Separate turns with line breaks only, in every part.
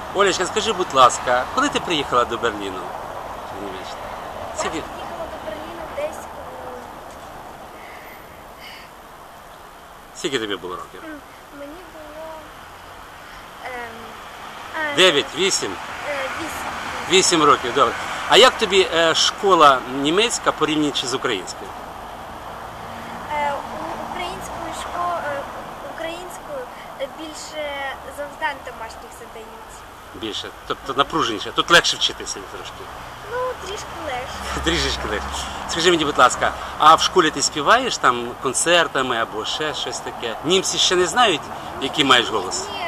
Олечка, скажи, будь ласка, коли ти приїхала до Берліну?
Я приїхала до Берліну десь
Скільки тобі було років?
мені було
9, 8?
8.
8 років, добре. А як тобі школа німецька порівнюючи з українською?
Українською більше завдань домашніх задають.
Більше, тобто напруженіше. Тут легше вчитися трошки.
Ну, трішки легше.
Трішечки легше. Скажи мені, будь ласка, а в школі ти співаєш там концертами або ще щось таке? Німці ще не знають, який маєш голос?
Ні,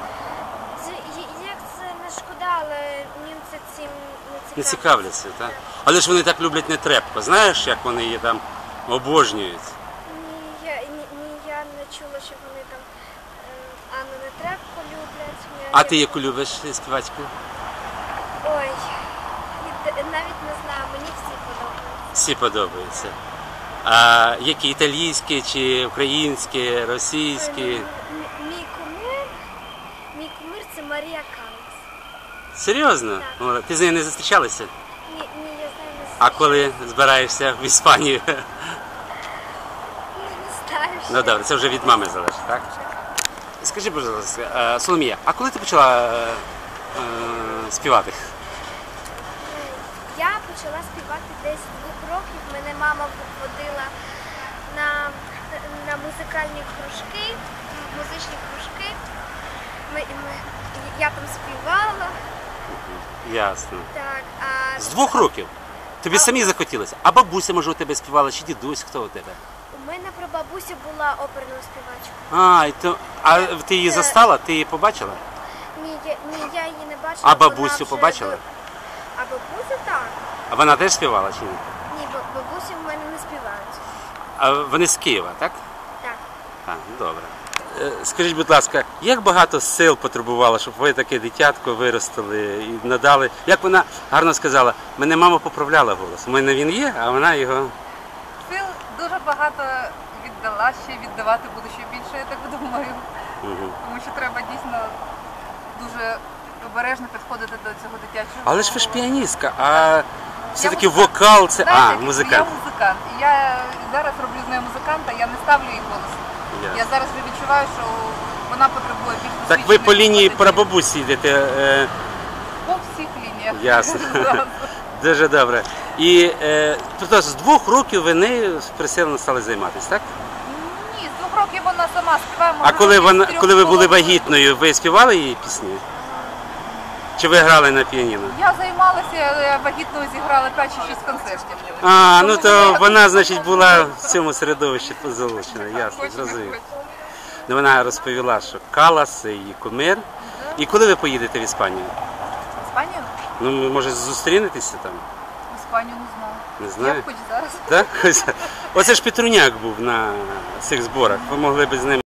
як це не шкода, але німці цим
Не цікавляться, так? Але ж вони так люблять нетрепко. Знаєш, як вони її там обожнюють?
Я не чула, що вони там Анну Нетребко люблять.
А ти яку любиш співачку?
Ой, навіть не знаю, мені всі подобаються.
Всі подобаються. А які італійські, чи українські, російські?
Мій кумир це Марія Каллас.
Серйозно?
Так.
О, ти з нею не зустрічалася?
Ні, я з нею не
А коли збираєшся в Іспанію?
Не знаю.
Ну добре, це вже від мами залежить, так? Скажи, будь ласка, Соломія, а коли ти почала співати?
Я почала співати десь з 2 років. Мене мама водила на музикальні кружки, музичні кружки. Я там співала.
Ясно.
Так,
З 2 років? Тобі самі захотілося? А бабуся, може, у тебе співала, чи дідусь, хто у тебе?
У мене прабабуся була оперною співачкою.
А ти її застала? Ти її побачила?
Ні, я її не бачила.
А бабусю
вона вже
побачила?
А бабусю так.
А вона теж співала чи ні?
Ні, бабусі в мене не співають.
А вони з Києва, так?
Так.
Так, добре. Скажіть, будь ласка, як багато сил потребувало, щоб ви таке дитятко виростили і надали? Як вона гарно сказала, мене мама поправляла голос. У мене він є, а вона його...
Сил дуже багато віддала, ще віддавати буду ще більше, я так думаю. Тому що треба дійсно дуже обережно підходити до цього дитячого.
Але ж ви ж піаністка, а все-таки вокал це...
Знаєте,
музикант.
Я музикант. І я зараз роблю з нею музиканта, я не ставлю їй голос. Я зараз вже відчуваю, що вона потребує більш досвідчених.
Так ви по лінії
музикантів.
прабабусі йдете?
По всіх лініях.
Ясно. Дуже добре. І тобто з 2 років ви нею присилено стали займатися, так?
Ні, з 2 років вона сама співає.
А коли ви були вагітною, ви співали її пісні? Чи ви грали на піаніно?
Я займалася, але вагітною зіграла 5 чи 6 концертів.
Ну то вона, значить, була в цьому середовищі залучена, ясно, зрозумів. Ну, вона розповіла, що Каллас – це її кумир. І коли ви поїдете в Іспанію?
Іспанію?
Ну, може, зустрінетеся там?
Іспанію не знаю.
Не знаю.
Я б хоч зараз.
Так? Оце ж Петруняк був на цих зборах. Ви могли б з ним